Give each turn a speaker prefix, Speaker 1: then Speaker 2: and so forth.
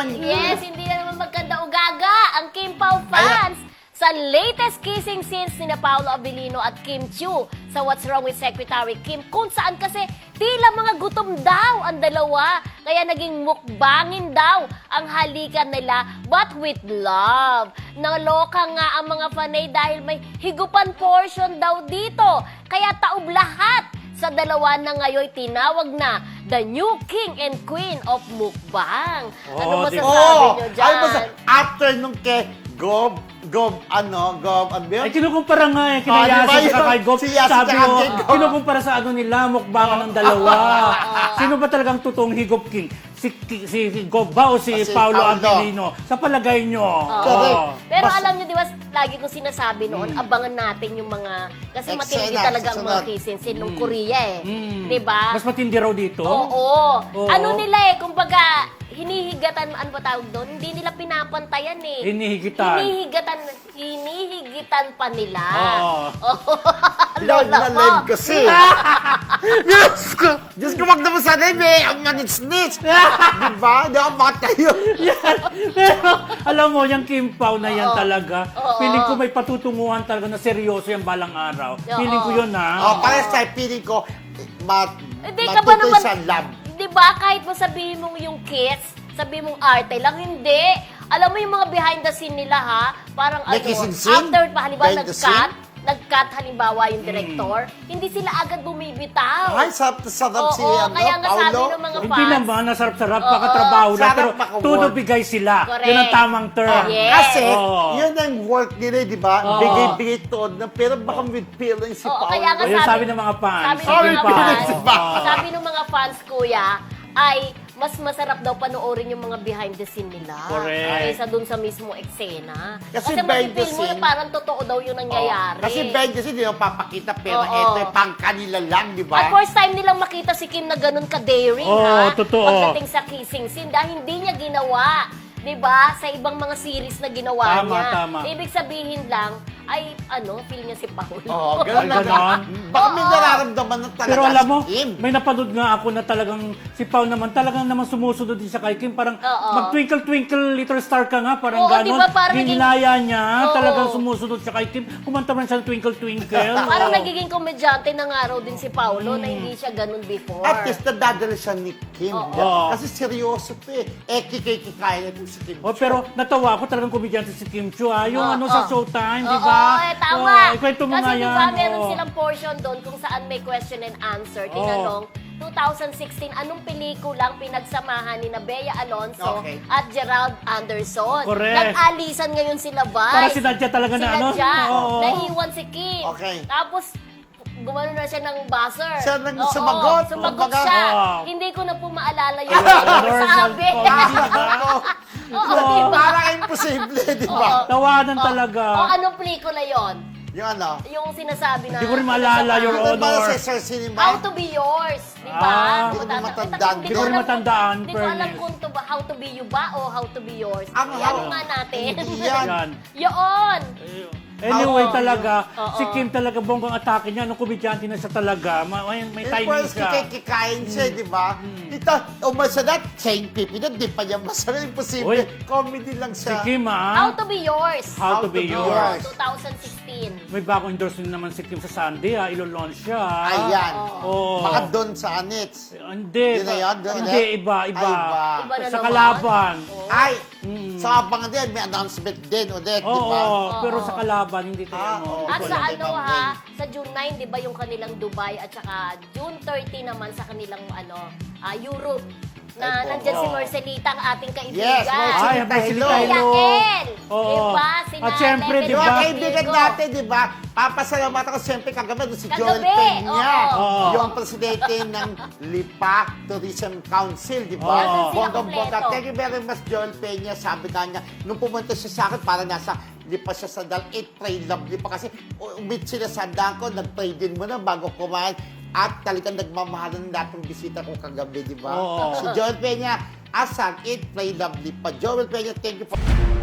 Speaker 1: naman.
Speaker 2: Yes, hindi na naman magkanda o gaga ang Kim Pao fans sa latest kissing scenes ni Paolo Abilino at Kim Chiu sa What's Wrong with Secretary Kim, kung saan kasi tila mga gutom daw ang dalawa, kaya naging mukbangin daw ang halikan nila, but with love. Naloka nga ang mga fanay dahil may higupan portion daw dito, kaya taob lahat sa dalawa na ngayon tinawag na the new king and queen of mukbang. Ano masasabi nyo dyan?
Speaker 1: After nung kay Gob, ano
Speaker 3: Ay, kinukumpara nga eh, kinayasa
Speaker 1: diba
Speaker 3: sa kay Gob.
Speaker 1: si Yas
Speaker 3: Sabi
Speaker 1: tsaka
Speaker 3: mo,
Speaker 1: kay Gob.
Speaker 3: kinukumpara sa ano nila, mukbangan ng dalawa. Sino ba talagang totoong higop king? Si Gob ba o si Paolo Abilino? Sa palagay nyo.
Speaker 2: Pero alam nyo, di ba, lagi kong sinasabi noon, abangan natin yung mga, kasi matindi
Speaker 1: Eksena,
Speaker 2: talaga ang mga kissing scene nung Korea Di ba?
Speaker 3: Mas matindi raw dito?
Speaker 2: Oo.
Speaker 3: Oo.
Speaker 2: Ano nila kumbaga, hinihigatan, ano ba tawag doon? Hindi nila pinapantayan
Speaker 3: Hinihigitan.
Speaker 2: Hinihigitan pa nila.
Speaker 3: Oo.
Speaker 2: Lola ko.
Speaker 1: live kasi. Diyos ko, wag naman sa live eh. Ang manits-nits. Diba? Di ako matayo.
Speaker 3: Pero alam mo, yung Kim Pao na yan talaga,
Speaker 2: Oo.
Speaker 3: feeling ko may patutunguhan talaga na seryoso yung balang araw. Feeling ko yun
Speaker 1: Para sa feeling ko,
Speaker 2: Hindi ka ba
Speaker 1: matutoy
Speaker 2: naman,
Speaker 1: sa love.
Speaker 2: di ba, kahit mo sabihin mong yung kiss, sabihin mong arte lang, hindi. Alam mo yung mga behind the scene nila, ha? Parang
Speaker 1: May kissing scene?
Speaker 2: after pa, halimbawa,
Speaker 1: Behind the
Speaker 2: nag-cut, halimbawa, yung director, hindi sila agad bumibitaw.
Speaker 1: Ay, sarap si
Speaker 2: Oo, kaya nga sabi
Speaker 1: Paolo.
Speaker 2: ng mga
Speaker 3: Hindi
Speaker 2: fans.
Speaker 3: naman, nasarap-sarap, pakatrabaho lang,
Speaker 1: Sarap
Speaker 3: pero
Speaker 1: maka-work.
Speaker 3: todo bigay sila.
Speaker 2: Correct.
Speaker 3: Yun ang tamang term.
Speaker 2: Yes.
Speaker 1: Kasi,
Speaker 3: Oo.
Speaker 1: yun ang work nila, di ba? Bigay-bigay to. Pero baka with feeling si
Speaker 2: Oo,
Speaker 1: Paolo.
Speaker 2: kaya nga
Speaker 3: O, yun sabi ng mga fans.
Speaker 2: Sabi
Speaker 3: si
Speaker 2: ng
Speaker 3: Kim
Speaker 2: mga
Speaker 3: Pao.
Speaker 2: fans,
Speaker 3: Oo.
Speaker 2: sabi ng mga fans, kuya, ay mas masarap daw panoorin yung mga behind the scene nila.
Speaker 3: Correct.
Speaker 2: Kaysa dun sa mismo eksena.
Speaker 1: Kasi
Speaker 2: Kasi
Speaker 1: behind the
Speaker 2: masipil mo na
Speaker 1: scene-
Speaker 2: parang totoo daw yung nangyayari.
Speaker 1: Kasi behind the scene, di ba papakita, pero
Speaker 2: Oo.
Speaker 1: ito yung pang kanila lang, di
Speaker 2: At
Speaker 1: ba?
Speaker 2: first time nilang makita si Kim na ganun ka-daring,
Speaker 3: Oo,
Speaker 2: ha?
Speaker 3: totoo.
Speaker 2: Pagdating sa kissing scene, dahil hindi niya ginawa. 'Di ba? Sa ibang mga series na ginawa
Speaker 3: Tama,
Speaker 2: niya.
Speaker 3: tama.
Speaker 2: Ibig sabihin lang, ay, feel niya si Paolo.
Speaker 1: Oo, ganun
Speaker 3: Ay,
Speaker 1: lang.
Speaker 3: ganon.
Speaker 1: Baka may
Speaker 2: Oo.
Speaker 1: nararamdaman na talaga
Speaker 3: Pero alam mo,
Speaker 1: si Kim.
Speaker 3: may napanood nga ako na talagang si Pao naman, talagang naman sumusunod din siya kay Kim. Parang
Speaker 2: Oo.
Speaker 3: mag-twinkle-twinkle little star ka nga, parang
Speaker 2: Oo,
Speaker 3: ganon.
Speaker 2: diba, parang naging-
Speaker 3: Ginilaya niya,
Speaker 2: Oo.
Speaker 3: talagang sumusunod siya kay Kim. Kumanta man siya ng twinkle-twinkle.
Speaker 2: Parang nagiging komedyante na nga raw din si Paolo na hindi siya ganun before.
Speaker 1: At least nadadala siya ni Kim.
Speaker 3: Oo.
Speaker 1: Kasi seryoso to eh. Kikay-kikaya na si Kim.
Speaker 3: Oh, pero natawa ako talagang komedyante si Kim Chiu, Yung
Speaker 2: Oo,
Speaker 3: sa
Speaker 2: oo.
Speaker 3: Showtime, di
Speaker 2: Oo,
Speaker 3: ba?
Speaker 2: tama.
Speaker 3: Ikwento mo
Speaker 2: Kasi
Speaker 3: nga
Speaker 2: di
Speaker 3: yan.
Speaker 2: ba, meron
Speaker 3: oo.
Speaker 2: silang portion doon kung saan may question and answer. Tinanong, 2016, anong pelikulang pinagsamahan ni Bea Alonso
Speaker 1: Okay.
Speaker 2: at Gerald Anderson?
Speaker 3: Correct.
Speaker 2: Nag-alisan ngayon sila, Vice.
Speaker 3: Parang sinadya talaga na ano?
Speaker 2: Sinadya.
Speaker 3: Oo.
Speaker 2: Nahiwan si Kim.
Speaker 1: Okay.
Speaker 2: Tapos, gumano na siya ng buzzer.
Speaker 1: Siya nang
Speaker 2: Oo,
Speaker 1: sumagot.
Speaker 2: Sumagot
Speaker 1: Kumbaga,
Speaker 2: siya.
Speaker 3: Oo.
Speaker 2: Hindi ko na po maalala yung
Speaker 3: Normal
Speaker 2: sabi.
Speaker 3: comedy.
Speaker 2: Oo, diba?
Speaker 1: Parang imposible, di ba?
Speaker 3: Tawanan talaga.
Speaker 2: O, anong pelikula yon?
Speaker 1: Yung ano?
Speaker 2: Yung sinasabi na...
Speaker 3: Hindi ko rin maalala, Your
Speaker 1: Ano ba
Speaker 3: Honor.
Speaker 1: sa Sir Cinema?
Speaker 2: How to be yours, di ba?
Speaker 3: Ah,
Speaker 1: hindi ko
Speaker 2: Matanda-
Speaker 1: matandaan.
Speaker 2: Hindi
Speaker 1: Hindi ko rin
Speaker 3: matandaan,
Speaker 2: Hindi ko alam
Speaker 3: fairness.
Speaker 2: kung to ba, how to be you ba o how to be yours.
Speaker 1: Ang
Speaker 2: Yan
Speaker 1: how-
Speaker 2: nga natin.
Speaker 1: Hindi yan.
Speaker 3: Yan.
Speaker 2: Yun!
Speaker 3: Anyway,
Speaker 2: Oo.
Speaker 3: talaga,
Speaker 2: Oo.
Speaker 3: si Kim talaga bonggang atake niya. Nung komedyante na siya talaga. May timing
Speaker 1: First,
Speaker 3: siya.
Speaker 1: kikikain siya, di ba? Ito, umasalat, chain pipi na, di pa niya masarap. Imposible.
Speaker 3: Uy.
Speaker 1: Comedy lang
Speaker 3: Si
Speaker 1: siya.
Speaker 3: Kim,
Speaker 2: How to be yours.
Speaker 3: How to be yours.
Speaker 2: 2016.
Speaker 3: May bagong endorsement naman si Kim sa Sunday, Ilo-launch siya.
Speaker 1: Ayan.
Speaker 3: Oo.
Speaker 1: Baka doon sa Anits.
Speaker 3: Hindi.
Speaker 1: Yun na yun? Doon
Speaker 3: Hindi,
Speaker 1: ulit?
Speaker 3: iba.
Speaker 1: Ay, iba.
Speaker 2: Iba na
Speaker 3: Sa
Speaker 2: naman.
Speaker 3: kalaban.
Speaker 1: Ay, sa abangan din, may announcement din ulit, di
Speaker 3: Oo,
Speaker 1: ba?
Speaker 3: pero sa kalaban, hindi tayo
Speaker 1: oo.
Speaker 2: At
Speaker 1: Wala
Speaker 2: sa
Speaker 1: na
Speaker 2: ano
Speaker 1: ibang
Speaker 2: ha, sa June 9, di ba yung kanilang Dubai at saka June 30 naman sa kanilang Europe. Na
Speaker 1: Ay,
Speaker 2: nandyan
Speaker 3: oo.
Speaker 2: si Marcelita, ang ating kaibigan.
Speaker 1: Yes, Marcelita.
Speaker 3: Ay, may
Speaker 1: Hello.
Speaker 3: silita
Speaker 2: Yael!
Speaker 3: Oo.
Speaker 2: Diba? Si
Speaker 3: At syempre,
Speaker 2: Nanay
Speaker 3: di ba?
Speaker 1: Yung
Speaker 2: Bebe
Speaker 1: kaibigan
Speaker 2: Diego.
Speaker 1: natin, di ba? Papasalamatan ko siyempre kagabi doon si Joel
Speaker 2: Kagabi,
Speaker 1: Peña.
Speaker 2: oo.
Speaker 1: Yung presidente ng Lipa Tourism Council, di ba?
Speaker 3: Oo.
Speaker 2: Nandun sila
Speaker 1: Bonggang-bongga.
Speaker 2: kompleto.
Speaker 1: Thank you very much, Joel Peña. Sabi ka niya, nung pumunta siya sa akin, para nasa Lipa siya sa Eat, Pray, Love Lipa. Kasi umit sila sa handaan ko, nag-pray din muna bago kumain. At talagang nagmamahalan ng lahat ng bisita ko kagabi, di ba?
Speaker 3: Oo.
Speaker 1: Si Joel Peña, Asang, Eat, Pray, Love Lipa. Joel Peña, thank you for...